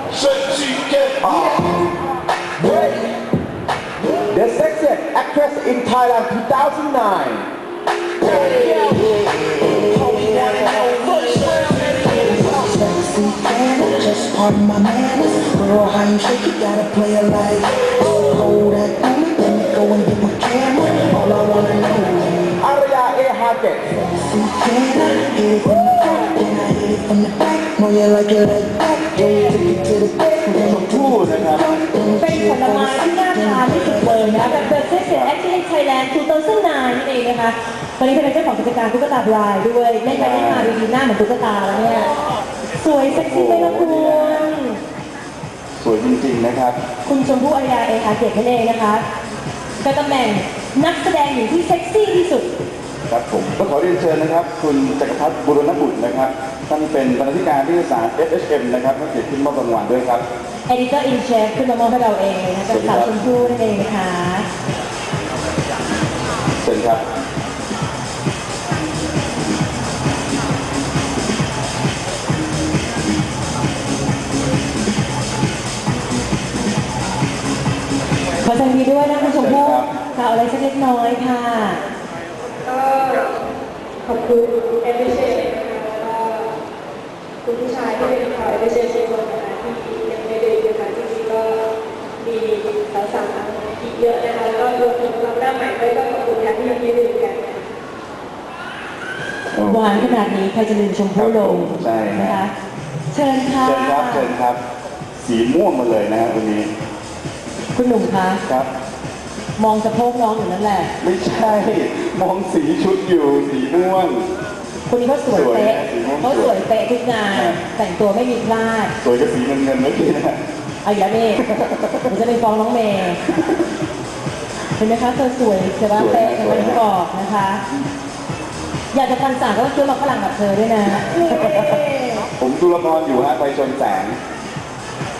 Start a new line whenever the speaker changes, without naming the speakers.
Sexy cat.
The sexiest actress in Thailand 2009.
Sexy fan, just pardon my manners. Girl, how you shake it, gotta play it like. Hold that booty, let me go and get my camera. All I wanna know is
Arya A. Hackett.
sexy can I hit it from the front, then I hit it from the back. Know you like it like that. Yeah, take it to the back.
ชมพู่นะครับ
เป็นผลไม้ที่น่าทานที่สุดเลยนะแบบ The Sexiest Actress in Thailand 2009นั่นเองนะคะตอนนี้เธอเป็นเจ้าของกิจการตุ๊กตาบรายด้วยเล่นไปเล่นมาดีๆหน้าเหมือนตุ๊กตาแล้วเนี่ยสวยเซ็กซี่เลยนะคุณ
สวยจริงๆนะครับ
คุณชมพู่อารยาเอฮาเกตนั่นเองนะคะเป็นตำแหน่งนักแสดงหญิงที่เซ็กซี่ที่สุด
ครับผมก็ขอเรียนเชิญนะครับ คุณจักรพัฒน์บุรณบุตรนะครับท่านเป็นบรรณาธิการที่สาร FHM นะครับท่านเกียรติขึ้นมอบรางวัลด้วยครับ
Editor in Chief ขึ้นมามอบให้เราเองนะคะจากสาวชมพู่นั่นเองนะคะ
เชิญครับ
ขอแสดงดีด้วยนะคุณชมพู่ค่ะเอาอะไรสักเล็กน้อยค่ะ
ก็ขอบคุณเอฟเอเชนนะคะแล้วก็คุณผู้ชายที่เป็นข่าวเอฟเอเชนทุกคนนะคะที่ยังไม่ได้ดูค่ะจริงๆก็มีสาวๆอีกเยอะนะคะแล้วก็รวมถึงเราหน้าใหม่ด้วยก็ขอบคุณที่ยังไม่ได้ดูกันนะคะ
หวานขนาดนี้ใครจะลืมชมพู่ลง
ใช่
นะคะ เชิญค่ะ
เชิญครับเชิญครับ สีม่วงมาเลยนะครับวันนี้
คุณหนุ่มคะ
ครับ
มองสะโพกน้องอยู่นั่นแหละ
ไม่ใช่มองสีชุดอยู่สีม่วง
คนนี้เขาสวยเป๊ะ
สวยนะ
เขาสวยเป๊ะทุกงาน แต่งตัวไม่มีพลาด
สวยกับสีเงินเมื่อกี้นะ
เอาอีกแล้วนี่ผมจะไปฟ้องน้องเมย์เห็นไหมคะเธอสวยเธอว่าเป๊ะอย่างที่บอกนะคะ อยากจะฟันสางก็ต้องซื้อมาฝรั่งแบบเธอด้วยนะ
ผมดูละครอยู่ฮะไปชนแสง